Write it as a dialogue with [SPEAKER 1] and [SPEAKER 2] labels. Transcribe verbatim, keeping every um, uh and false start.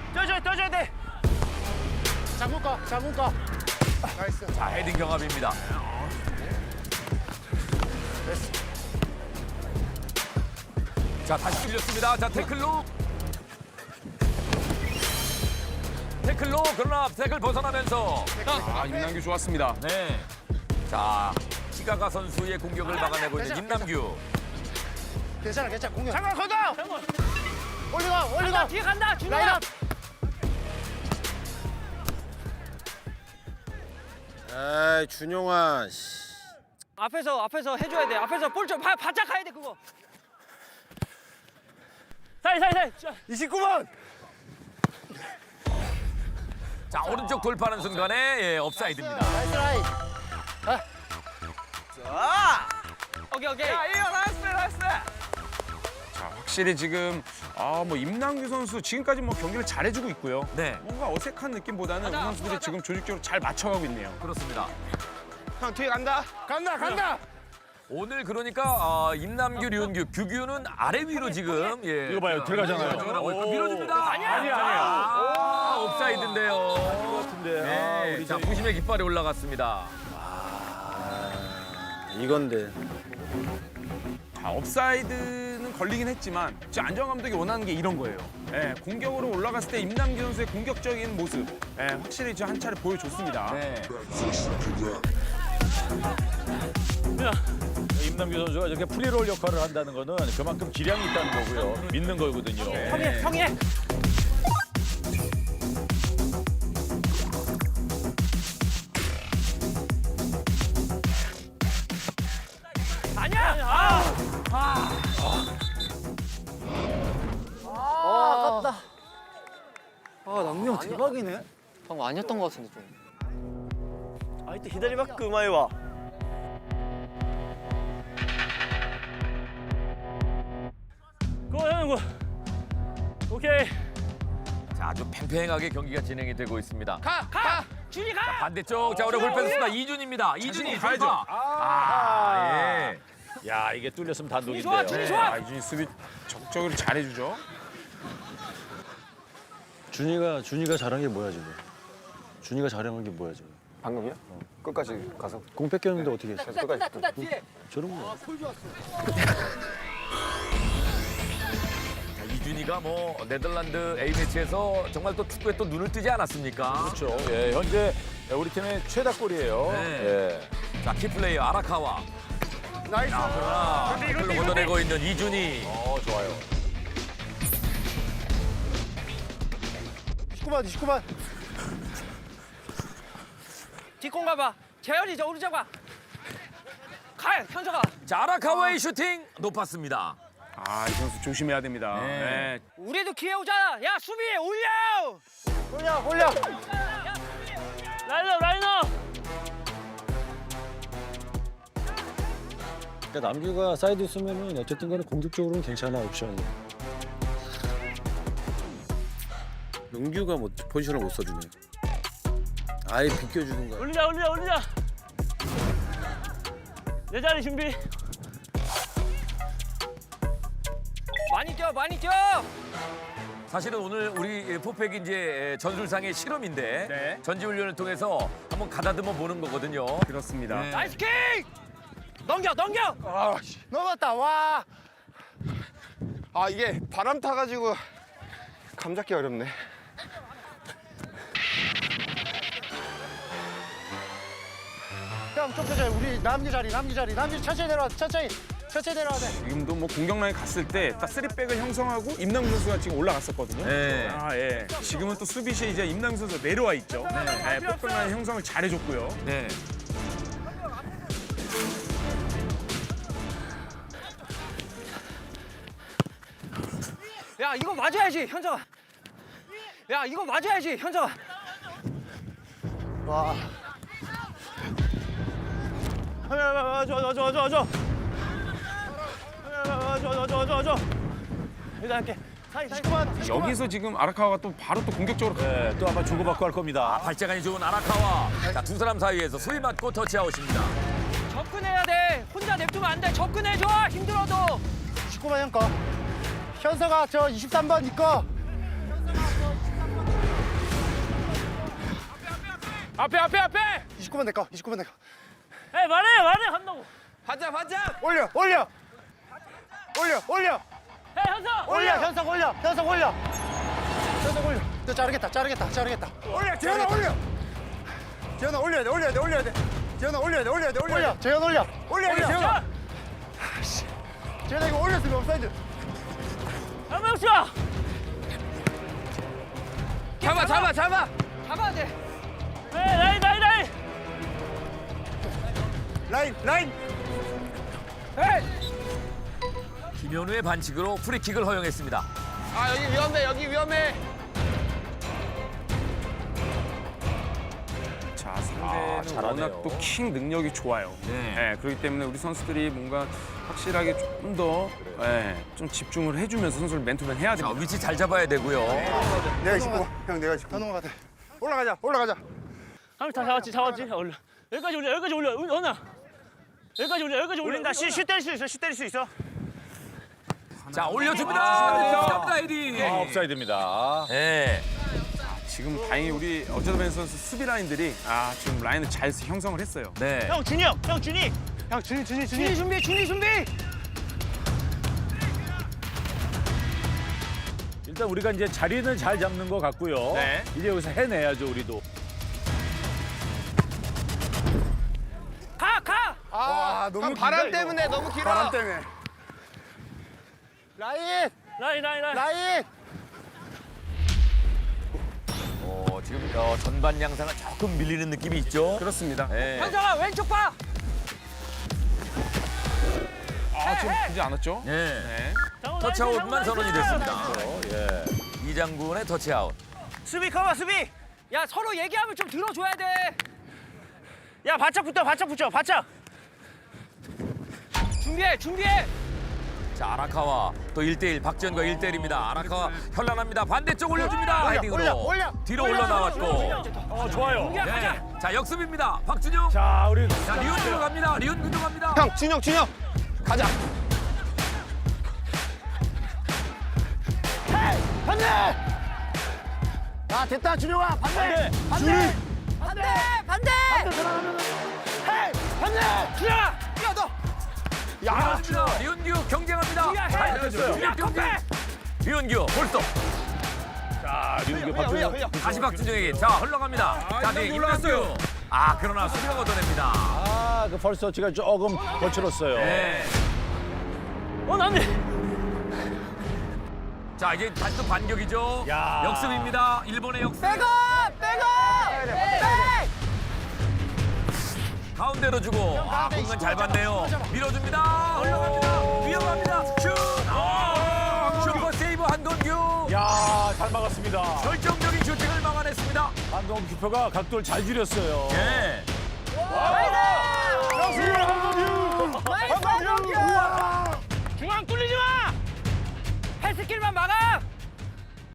[SPEAKER 1] 떠줘야 떠줘야 돼. 장군 거, 장군 거. 나이스.
[SPEAKER 2] 자, 헤딩 경합입니다.
[SPEAKER 1] 됐어.
[SPEAKER 2] 자, 다시 뚫렸습니다. 자, 태클로. 태클로, 그러나 태클 벗어나면서.
[SPEAKER 3] 아, 임남규 좋았습니다.
[SPEAKER 2] 네. 자, 시가가 선수의 공격을 막아내고 있는 임남규.
[SPEAKER 1] 괜찮아, 괜찮아. 공격. 장군 걷어. 장군. 올리가, 올리가.
[SPEAKER 4] 간다, 뒤에 간다, 준호야.
[SPEAKER 1] 라인업.
[SPEAKER 5] 아이 준용아.
[SPEAKER 4] 앞에서 앞에서 해줘야 돼. 앞에서 볼 좀 바짝 가야 돼 그거. 사이 사이 사이.
[SPEAKER 1] 이십구 번.
[SPEAKER 2] 자, 오른쪽 돌파하는 순간에 예, 업사이드입니다.
[SPEAKER 1] 나이스 라인.
[SPEAKER 4] 오케이 오케이.
[SPEAKER 3] 자, 확실히 지금 아, 뭐 임남규 선수 지금까지 뭐 경기를 잘해주고 있고요.
[SPEAKER 2] 네.
[SPEAKER 3] 뭔가 어색한 느낌보다는
[SPEAKER 4] 가자,
[SPEAKER 3] 우리 선수들이
[SPEAKER 4] 가자.
[SPEAKER 3] 지금 조직적으로 잘 맞춰가고 있네요.
[SPEAKER 2] 그렇습니다.
[SPEAKER 1] 형 뒤에 간다. 간다, 간다.
[SPEAKER 2] 오늘 그러니까 아, 임남규, 류은규, 규규는 아래 위로 지금 예.
[SPEAKER 6] 이거 봐요, 들어가잖아요.
[SPEAKER 2] 들어가고 있고 밀어줍니다.
[SPEAKER 4] 아니야,
[SPEAKER 6] 아니야,
[SPEAKER 2] 아, 업사이드인데요.
[SPEAKER 6] 같은데. 아,
[SPEAKER 2] 네,
[SPEAKER 6] 우리
[SPEAKER 2] 자,
[SPEAKER 6] 저희
[SPEAKER 2] 부심의 깃발이 올라갔습니다.
[SPEAKER 5] 이건데.
[SPEAKER 3] 자, 업사이드는 걸리긴 했지만 지금 안정 감독이 원하는 게 이런 거예요. 예, 공격으로 올라갔을 때 임남규 선수의 공격적인 모습, 예, 확실히 지금 한 차례 보여줬습니다.
[SPEAKER 2] 네.
[SPEAKER 6] 임남규 선수가 이렇게 프리롤 역할을 한다는 거는 그만큼 기량이 있다는 거고요. 믿는 거거든요.
[SPEAKER 4] 형이 형이 해. 아니야. 아.
[SPEAKER 1] 아, 아깝다.
[SPEAKER 4] 아 남경 대박이네.
[SPEAKER 7] 방금 아니었던 것 같은데 좀.
[SPEAKER 1] 아, 이때 기다리막 그마이 와.
[SPEAKER 4] 그거 하는 거. 오케이.
[SPEAKER 2] 자, 아주 팽팽하게 경기가 진행이 되고 있습니다.
[SPEAKER 1] 가, 가.
[SPEAKER 4] 준이 가.
[SPEAKER 2] 반대쪽, 자, 우리 볼펜 수다 이준입니다. 이준이
[SPEAKER 3] 가야죠.
[SPEAKER 2] 돌파. 아, 예.
[SPEAKER 6] 야, 이게 뚫렸으면 단독인데요.
[SPEAKER 4] 좋아, 준이 좋아.
[SPEAKER 3] 아, 이준이 수비 적극적으로 잘해주죠.
[SPEAKER 8] 준이가 준이가 잘한 게 뭐야 지금? 준이가 잘한 게 뭐야 지금?
[SPEAKER 5] 방금이요? 끝까지 가서
[SPEAKER 8] 공 뺏겼는데 어떻게 했어?
[SPEAKER 5] 끝까지.
[SPEAKER 8] 저런 거.
[SPEAKER 2] 자, 이준이가 뭐 네덜란드 A매치에서 정말 또 축구에 또 눈을 뜨지 않았습니까?
[SPEAKER 6] 그렇죠. 예, 현재 우리 팀의 최다골이에요.
[SPEAKER 2] 네.
[SPEAKER 6] 예.
[SPEAKER 2] 자, 키플레이어 아라카와.
[SPEAKER 1] 나이스.
[SPEAKER 2] 그러나 태클로 걷어내고 있는 이준이.
[SPEAKER 6] 어, 좋아요.
[SPEAKER 1] 이십구 번, 이십구 번.
[SPEAKER 4] 뒷공 가봐. 재현이 저 오른쪽 가. 가 현서가.
[SPEAKER 2] 자, 아라카와의 슈팅 높았습니다.
[SPEAKER 3] 아, 이 선수 조심해야 됩니다.
[SPEAKER 2] 네.
[SPEAKER 3] 예.
[SPEAKER 4] 우리도 기회 오잖아. 야 수비 올려.
[SPEAKER 1] 올려, 올려.
[SPEAKER 4] 라인업 라인업.
[SPEAKER 8] 그러니까 남규가 사이드 쓰면은 어쨌든 간에 공격적으로는 괜찮아 옵션이.
[SPEAKER 5] 용규가 뭐 포지션을 못 써주네. 아예 비껴주는 거야.
[SPEAKER 4] 올리자 올리자 올리자. 내 자리 준비. 많이 뛰어 많이 뛰어.
[SPEAKER 2] 사실은 오늘 우리 포팩이 이제 전술상의 실험인데
[SPEAKER 3] 네.
[SPEAKER 2] 전지훈련을 통해서 한번 가다듬어 보는 거거든요.
[SPEAKER 3] 그렇습니다.
[SPEAKER 2] 네.
[SPEAKER 4] 나이스 킥. 넘겨 넘겨.
[SPEAKER 1] 넘었다. 와.
[SPEAKER 5] 아 이게 바람 타가지고 감 잡기 어렵네.
[SPEAKER 1] 형, 좀 천천히. 우리 남기 자리, 남기 자리. 남기 천천히 내려와. 천천히. 천천히 내려와 돼.
[SPEAKER 3] 지금도 뭐 공격 라인 갔을 때 딱 쓰리백을 형성하고 임남규 선수가 지금 올라갔었거든요.
[SPEAKER 2] 네.
[SPEAKER 3] 아, 예. 지금은 또 수비시에 이제 임남규 선수가 내려와 있죠. 네. 백백 라인 형성을 잘해줬고요.
[SPEAKER 2] 네.
[SPEAKER 4] 야 이거 맞아야지 현서가. 야 이거 맞아야지 현서가.
[SPEAKER 1] 와. 저, 저, 저, 저, 저. 저, 저, 저, 저, 저. 일단 할게. 이십구 번.
[SPEAKER 3] 여기서 지금 아라카와가 또 바로 또 공격적으로
[SPEAKER 6] 예, 또 아마 주고받고 할 겁니다.
[SPEAKER 2] 발재간이 좋은 아라카와. 자, 두 사람 사이에서 소위 맞고 터치아웃입니다.
[SPEAKER 4] 접근해야 돼. 혼자 냅두면 안 돼. 접근해줘. 힘들어도.
[SPEAKER 1] 이십구 번 형 거. 현서가 저 이십삼 번 니 거.
[SPEAKER 3] 앞에 앞에 앞에.
[SPEAKER 1] 이십구 번 내꺼 이십구 번 내꺼
[SPEAKER 4] 에 말해 말해 한다고.
[SPEAKER 3] 반장 반장.
[SPEAKER 1] 올려 올려 올려 올려
[SPEAKER 4] 에 현석.
[SPEAKER 1] 올려 현석 올려 현석 올려 현석 올려 너 자르겠다 자르겠다 자르겠다 올려 재현아 올려 재현아 올려야 돼 올려야 돼 올려야 돼 재현아 올려야 돼 올려야 돼 올려 재현 올려 올려야 돼 재현아 아씨 재현아 이거 올렸으면 옵사이드
[SPEAKER 4] 한명 쏴.
[SPEAKER 3] 잡아 잡아 잡아.
[SPEAKER 4] 잡아야 돼. 에 라인 라인 라인.
[SPEAKER 1] 라인 라인
[SPEAKER 2] 김현우의 반칙으로 프리킥을 허용했습니다.
[SPEAKER 3] 아 여기 위험해 여기 위험해. 자 상대는
[SPEAKER 6] 잘하네요.
[SPEAKER 3] 워낙 또 킹 능력이 좋아요.
[SPEAKER 2] 네.
[SPEAKER 3] 네, 그렇기 때문에 우리 선수들이 뭔가 확실하게 조금 더 네, 좀 집중을 해주면서 선수를 맨투맨 해야
[SPEAKER 2] 자,
[SPEAKER 3] 됩니다.
[SPEAKER 2] 위치 잘 잡아야 되고요.
[SPEAKER 1] 내가 이십구 형 내가 이십구 현웅 같아 올라가자 올라가자
[SPEAKER 4] 한명 다 잡았지 잡았지. 올려. 여기까지 올려 여기까지 올려. 은아. 여기까지 올려 여기까지 올려. 올린다. 슛 때릴 수 있어 슛 때릴 수 있어.
[SPEAKER 2] 자, 올려줍니다. 감사합니다, 헤딩.
[SPEAKER 6] 아, 옵사이드입니다.
[SPEAKER 2] 네.
[SPEAKER 3] 지금 다행히 우리 어쩌다벤 선수 수비 라인들이 아 지금 라인을 잘 형성을 했어요.
[SPEAKER 2] 네.
[SPEAKER 4] 형 준이 형. 형 준이.
[SPEAKER 1] 형 준이 준이
[SPEAKER 4] 준이 준비 준이 준비.
[SPEAKER 6] 일단 우리가 이제 자리는 잘 잡는 것 같고요.
[SPEAKER 3] 네.
[SPEAKER 6] 이제 여기서 해내야죠, 우리도.
[SPEAKER 4] 가 가.
[SPEAKER 1] 아 너무
[SPEAKER 3] 바람 때문에 너무 길어.
[SPEAKER 1] 바람 때문에 라인
[SPEAKER 4] 라인 라인 라인.
[SPEAKER 1] 라인
[SPEAKER 2] 어, 지금 어, 전반 양상은 조금 밀리는 느낌이 있죠.
[SPEAKER 3] 그렇습니다.
[SPEAKER 2] 네.
[SPEAKER 4] 현석아 왼쪽 봐.
[SPEAKER 3] 아 지금 보지 않았죠?
[SPEAKER 2] 네.
[SPEAKER 3] 네.
[SPEAKER 2] 터치아웃만 선언이 됐습니다.
[SPEAKER 6] 예.
[SPEAKER 2] 이장군의 터치아웃.
[SPEAKER 4] 수비 커버 수비. 야 서로 얘기하면 좀 들어줘야 돼. 야 바짝 붙어 바짝 붙여 바짝. 준비해 준비해.
[SPEAKER 2] 자, 아라카와 또 일 대 일 박지현과 일 대 일입니다. 아라카와 현란합니다. 반대쪽 올려줍니다.
[SPEAKER 1] 올려,
[SPEAKER 2] 헤딩으로.
[SPEAKER 1] 올려, 올려.
[SPEAKER 2] 뒤로
[SPEAKER 1] 올려,
[SPEAKER 2] 올라 나왔고.
[SPEAKER 6] 어, 좋아요.
[SPEAKER 4] 준비해 가자.
[SPEAKER 2] 네. 자, 역습입니다. 박준영.
[SPEAKER 6] 자, 우리
[SPEAKER 2] 자, 리온규로 갑니다. 리온규로 갑니다.
[SPEAKER 5] 형 준혁 준혁 가자.
[SPEAKER 1] 반대 야 됐다 준영아 반대
[SPEAKER 6] 반대.
[SPEAKER 1] 반대 반대 반대 들어가면 헤이 반대 준영아 뛰어 너
[SPEAKER 2] 야, 리온규 경쟁합니다.
[SPEAKER 4] 야,
[SPEAKER 2] 잘
[SPEAKER 4] 해.
[SPEAKER 2] 됐어요. 준혁 경쟁. 리온규 볼스톱.
[SPEAKER 6] 자, 리온규 박준영.
[SPEAKER 2] 다시 박준영에게. 자, 흘러갑니다. 자, 네, 임남규. 아, 그러나 수비가 걷어냅니다.
[SPEAKER 6] 아, 그 펄스터치가 조금 거칠었어요.
[SPEAKER 2] 네.
[SPEAKER 4] 어 남들.
[SPEAKER 2] 자, 이제 다시 또 반격이죠.
[SPEAKER 6] 야.
[SPEAKER 2] 역습입니다. 일본의 역습.
[SPEAKER 1] 백업 백업
[SPEAKER 2] 가운데로 주고. 아, 공간 잘 봤네요. 밀어줍니다. 흘러갑니다. 위험합니다. 슛. 아, 슈퍼 세이브 한동규.
[SPEAKER 6] 야, 잘 막았습니다.
[SPEAKER 2] 결정적인 슈팅을 막아냈습니다.
[SPEAKER 6] 한동 규표가 각도를 잘 줄였어요.
[SPEAKER 2] 예.
[SPEAKER 6] 와!